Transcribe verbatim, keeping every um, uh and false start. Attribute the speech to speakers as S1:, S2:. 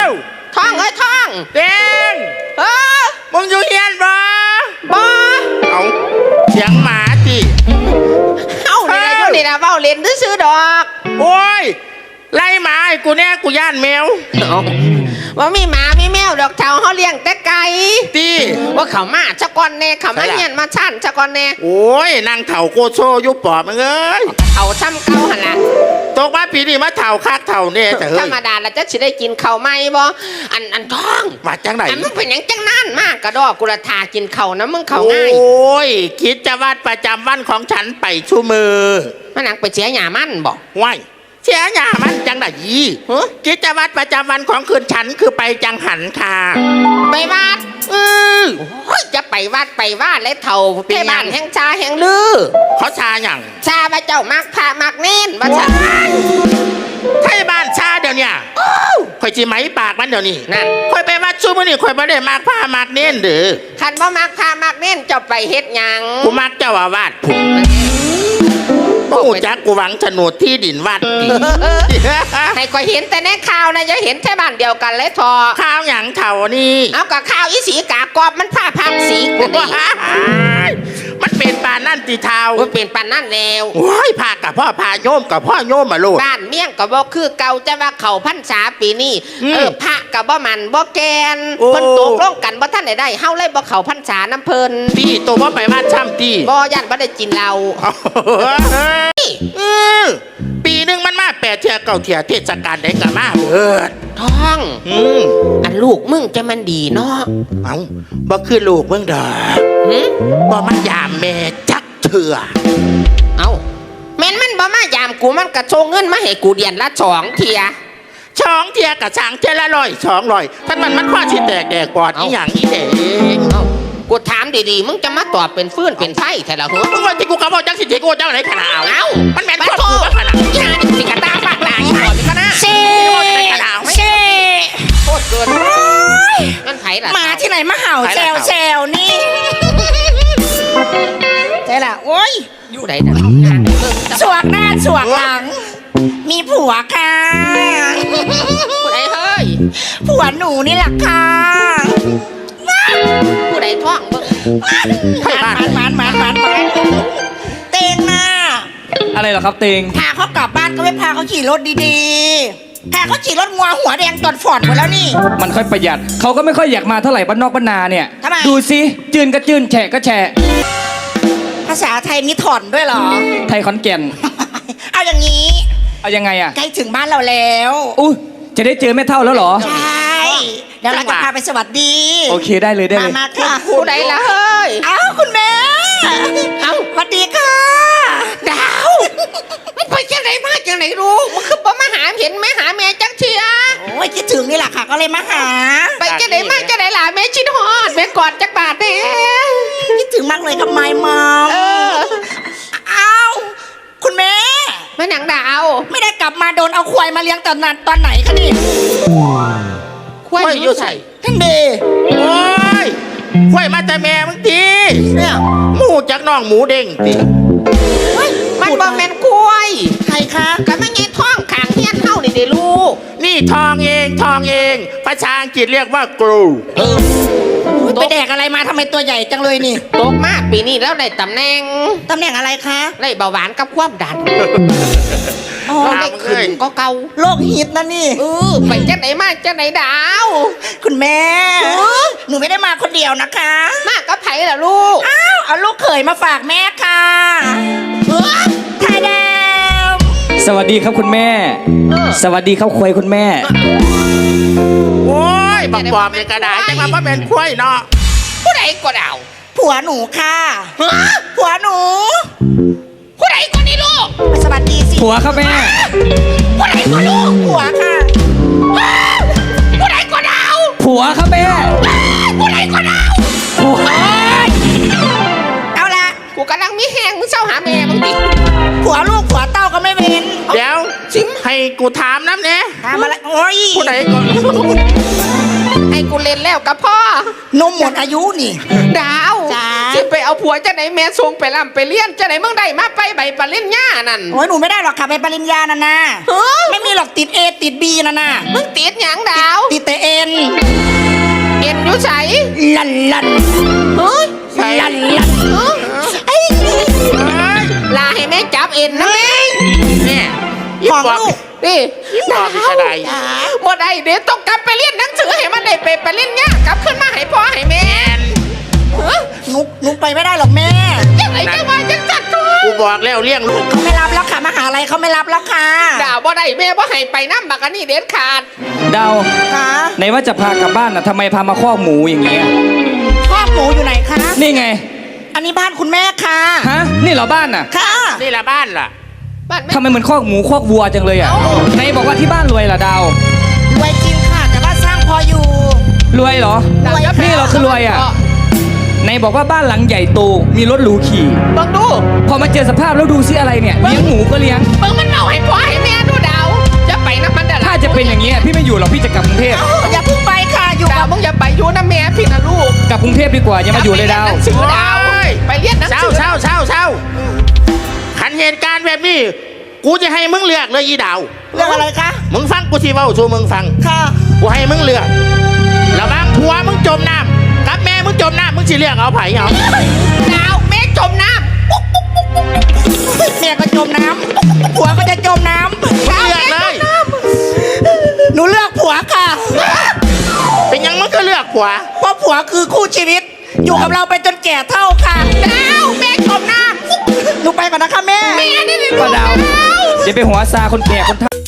S1: ท่องเอ้ยท่อง
S2: เต็ง
S1: เออ
S2: มึงอยู่เฮียนบ่
S1: บ่
S2: เอาเสียงหมาจิ
S1: เอ้านี่นะอยู่นี่นะเว้าเล่นซื้อดอก
S2: โอ้ยไล่หมาไอ้กูแน่กูย่านแมว
S1: ว่ามีหมามีแมวดอกเทาเขาเลี้ยงแต่ไก่
S2: ตี
S1: ว่าเขามาชะกอนแน่เขามาเฮียนมาชั่นชะกอนแน่
S2: โอ้ยนางเถ่าโกโซยุบปอบมึงเอ้ย
S1: เอาซ้ำเก่าหันละ
S2: ตกมาปีนี้มาเถ่าคักเถ่าเนี่ยแต่เฮ้ย
S1: ธรรมดาแล้วจะสิได้กินข้าวไหมบ่อันอันท้อง
S2: มาจังไหน
S1: มึงเป็นยังจังนั่นมากกระดอกกุระทากินข้าวนะมึงข้าวง่าย
S2: โอ้ยคิดจะวัดประจำวันของฉันไปชูมือ
S1: มันหนังไปเสียหยามันบอก
S2: ว้ายเสียหยามันจังไหนยี่กิจวัตรประจำวันของคืนฉันคือไปจังหันค่ะ
S1: ไปวัดอือจะไปวัดไปว่าและเท่าเทบ้านแห่งชาแห่งลือ
S2: เขาชาอย่าง
S1: ชาพระเจ้ามักพามักเน้นว่าชา
S2: ไทยบ้านชาเดี๋ยวนี้คอยจีไหมปากมันเดี๋ยวนี้
S1: นั่น
S2: คอยไปวัดชูมือนี่คอยไม่ได้มักพามักเน้นเด้อ
S1: คันว่ามักพามักเน้นจะไปเฮ็ดยัง
S2: กูมักเจ้าอาวาสกูจักกูหวังโฉนดที่ดินวัด
S1: ให้คอยเห็นแต่ในข่าวนะจะเห็นแค่บ้านเดียวกันเลยทอ
S2: ข่าวอย่างเท่านี้
S1: เอากับข่าวอีสีกากอบมันผ้าพังสีกูนี่
S2: มันเป็นปานนั่นตีเท้า
S1: มันเป็นปานนั่นแล้ว
S2: โอ้ยพากับพ่อพาโยมกับพ่อโยมมาลูก
S1: บ้านเมี่ยงกับบ่คือเก่าจะว่าเขาพรรษาปีนี้เออพระกับบ่มันบ่แกนเพิ่นตกลงกันบ่ท่านได้ได้เฮาเลยบ่เขาพรรษาน้ำเพิ่น
S2: ตีตัวบ่ไปบ้านช่ำตี
S1: บ่ย่านบ่ได้กินเหล้า
S2: ปีหนึ่งมันมาแปดเที่ยเก้าเที่ยเทศกาลได้กับมาเบิด
S1: ท้องอันลูกมึงจะมันดีเนาะ
S2: เอ้าบ่คือลูกมึงดอกบ่มันยามแม่จักเถื่อ
S1: เอ้าแม่นมันบ่มายามกูมันกระโชงเงินมาให้กูเดือนละสองเที่ย
S2: สองเที่ยกับสางเที่ยละร้อยสองร้อยท่านมันมันว่าสิแตกแดกปอดอีหยังอีเด็ก
S1: กูถามดีๆมึงจะมาตอบเป็นฟื้นเป็นไฟแต่ละหัว
S2: มึงว่าที่กูกำลังจังสิเจกูเจ้าไหนขนาดเอ้ามันแม่นคนกูขนาด
S1: ยาดิสิกระตาฝากหลายก่อนก็น่า
S3: เซ่เซ่
S1: โคตรเกินนั่นไผ่ละ
S3: มาที่ไหนมาเห่าแซวแซวนี่ใช่ละโอ้ย
S1: อยู่ไหนนะ
S3: สวกหน้าสวกหลังมีผัวค่ะ
S1: ผู้ใดเฮ้ย
S3: ผัวหนูนี่แหละค่ะ
S1: ผู้ใดท้องเบิ่ง
S3: หมานหมานหมานหมานหมานเตงน่ะ
S4: อะไรเหรอครับเตง
S3: พาเขากลับบ้านก็ไม่พาเขาขี่รถดีๆพาเขาขี่รถงัวหัวแดงจอดฟอร์ดหมดแล้วนี่
S4: มันค่อยประหยัดเขาก็ไม่ค่อยอยากมาเท่าไหร่บ้านนอกบ้านนาเนี่ยดูสิจืนก็จืนแฉะก็แฉะ
S3: ภาษาไทยมีถอนด้วยเหรอ
S4: ไทยขอนแก่น
S3: เอาอย่างนี้
S4: เอายังไงอะ
S3: ใกล้ถึงบ้านเราแล้ว
S4: อู้จะได้เจอแม่เท่าแล้วเหรอ
S3: ใช่เดี๋ยวเราจะพาไปสวัสดี
S4: โอเคได้เลยได้เลย
S3: มาค่ะ
S1: ผู้ใดล่ะเฮ้ย
S3: เอ้าคุณแม่เอ้าสวัสดีค่ะ
S1: ดาวมันไปจังไหนมาจังไหนรู้มันคือบ่มาหาเห็นแม่หาแม่จังเชีย
S3: โอ้ยคิดถึงนี่แหละค่ะก็เลยมาหา
S1: ไปจังไหนมาจังไหนล่ะแม่ชิดฮอดแม่กอดจักบาทเด้
S3: คิดถึงมากเลยทำไมมอม
S1: เออ
S3: เอ้าคุณแม่
S1: แม่หนังดาว
S3: ไม่ได้กลับมาโดนเอาควายมาเลี้ยงตอนนั้นตอนไหนคะนี่
S1: ควายอยู่ใส่
S3: ท่านเด
S2: โอ้ยควายมาแต่แม่มึงที
S3: เนี่ย
S2: หมูจากน้องหมูเด้งที
S1: มันบ่แม่นควาย
S3: ใครคะ
S1: ก็ไม่ไงท้องขางเฮี้ยนเฮานี่เด้ลูก
S2: นี่ทองเองทองเองภาษาอังกฤษเรียกว่ากรู
S3: ไปแดกอะไรมาทำไมตัวใหญ่จังเลยนี่
S1: โตมากปีนี้แล้วได้ตำแหน่ง
S3: ตำแหน่งอะไรคะ
S1: ได้เบาหวานกับความดันเราได้ขึ้นก็เก่า
S3: โรคฮิตนะนี่
S1: เออไปจังไหนมาจังไหนดาว
S3: คุณแม่หนูไม่ได้มาคนเดียวนะคะ
S1: มากับไผ่ล่ะลูก
S3: อ้าวเอาลูกเขยมาฝากแม่ค่ะไทยแดง
S4: สวัสดีครับคุณแม่สวัสดีครับควายคุณแม่
S2: โอ้ยบักปอบในกระดาษจะมาเพราะเป็นควายเนาะ
S1: ผู้ใดก็ดาว
S3: ผัวหนูค่ะผัวหนู
S1: ผู้ใดก็นี่ลูก
S3: สวัสดีสิ
S4: ผัวครับแม่
S1: ผู้ใดก็ลูก
S3: ผัวค่ะ
S1: ผู้ใดก็ดาว
S4: ผัวครับแม่
S1: ผู้ใดก็ดาว
S4: ผัว
S3: เอาละ
S1: กูกำลังมีแหงมึงเศร้าหาแม่มึงดิ
S3: ผัวลูกผัวเต้าก็ไม่เว้น
S2: เดี๋ยวชิมให้กูถามน้ำเนี่ย
S3: ถามอะไรโอ้ย
S2: ผู้ใดก็
S1: ให้กูเล่นแล้วกับพ่อน
S3: มหมดอายุนี่
S1: ดาวจะไปเอาผัวจะไหนแม่ส่งไปล่ำไปเลี้ยนจะไหนมึงได้มาไปใบปริญญานั่น
S3: โอ้ยหนูไม่ได้หรอกค่ะใบปริญญานั่นนะไม่มีหรอกติดเอติดบีนั่นนะ
S1: มึงติดหยังดาว
S3: ติดแต่เอน
S1: เอ็นอยู่ใส
S3: ลันลัน
S1: เฮ้ย
S2: ใส่
S3: ลันลัน
S1: เอ้ย
S3: ไอ้
S1: ลาให้แม่จับเอ็นนะแม่
S2: เนี่ย
S3: ของ
S2: บอก
S3: ลูก
S1: นี่
S2: บอกพิชดา
S1: บ่ได้เดี๋ยวต้องกลับไปเรียนหนังสือให้มันได้ไปไปเรียนเนี่ยกลับขึ้นมาให้พ่อให้แม่เฮ้ย
S3: นุกนุกไปไม่ได้หรอกแม่
S1: ยังไงจะว่าจังจัดตัว
S2: กูบอกแล้วเลี้ยงลูก
S3: เขาไม่รับแล้วค่ะมหาลัยเขาไม่รับแล้วค่ะ
S1: ด่าบ่ได้แม่บ่ให้ไปน้ำบักอันนี้เด็ดขาด
S4: ดาว
S3: ค่ะ
S4: ไหนว่าจะพากลับบ้านน่ะทำไมพามาคอกหมูอย่างเงี้ย
S3: คอกหมูอยู่ไหนคะ
S4: นี่ไง
S3: อันนี้บ้านคุณแม่ค่ะ
S4: ฮะนี่เหรอบ้านน่ะ
S3: ค่ะ
S2: นี่ละบ้านล่ะ
S1: บ้านแม่
S4: ทำไมเหมือนคอกหมูคอกวัวจังเลยอ่ะไหนบอกว่าที่บ้านรวยเหรอดาว
S3: รวยจริงค่ะ แต่ว่าสร้างพออยู่
S4: รวยเหรอ
S1: ด่า
S4: นี่เหราคือรวยอ่ะไหนบอกว่าบ้านหลังใหญ่โตมีรถหรูขี่
S1: เบิ่งดู
S4: พอมาเจอสภาพแล้วดูซิอะไรเนี่ยเลี้ยงหมูก็เลี้ยง
S1: เบิ่งมันเอาให้พ่อให้แม่ดูดาวจะไปน้ำมันเด้อ
S4: ถ้าจะเป็นอย่างนี้ยพี่ไม่อยู่หรอกพี่จะกลับกรุงเทพ
S3: อย่าเพิ่งไปค่ะอยู่
S1: ดา
S3: กั
S1: ว
S3: บ
S1: มึงอย่าไปอยู่นะแม่พี่นะลูก
S4: กลับกรุงเทพดีกว่าอย่ามาอยู่เลยดาว
S1: ไปเรีนหนังสือดาว
S2: โอ้ย
S1: ไปเรียนหนัง
S2: เศร้า
S1: สือ
S2: เศร้าเศร้าเศร้าขันเหตุการณ์แบบนี้ กูจะให้มึงเลือกเลยอีดาว
S3: เรื่องอะไรคะ
S2: มึงฟังกูสิเว้าสู่มึงฟัง
S3: ค่ะ
S2: กูให้มึงเลือกระหว่างผัวมึงจมน้ำกับแม่มึงจมน้ำมึงสิเลือกเอาไผ่เอา
S1: ดาวแม่จมน้
S3: แม่ก็จมน้ำผัวก็จะจมน้
S2: มึงเลือกเลย
S3: ำหนูเลือกผัวค่ะ
S2: เป็นหยังมึงก็เลือกผัว
S3: เพราะผัวคือคู่ชีวิต อยู่กับเราไปจนแก่เท่าค่ะ
S1: ำดาวแม่จมน้
S3: หนูไปก่อนนะคะแม่
S1: ำแม่นี่นี่
S4: ป้าดาวอย่าไปหัวซาคนแก่คนเฒ่า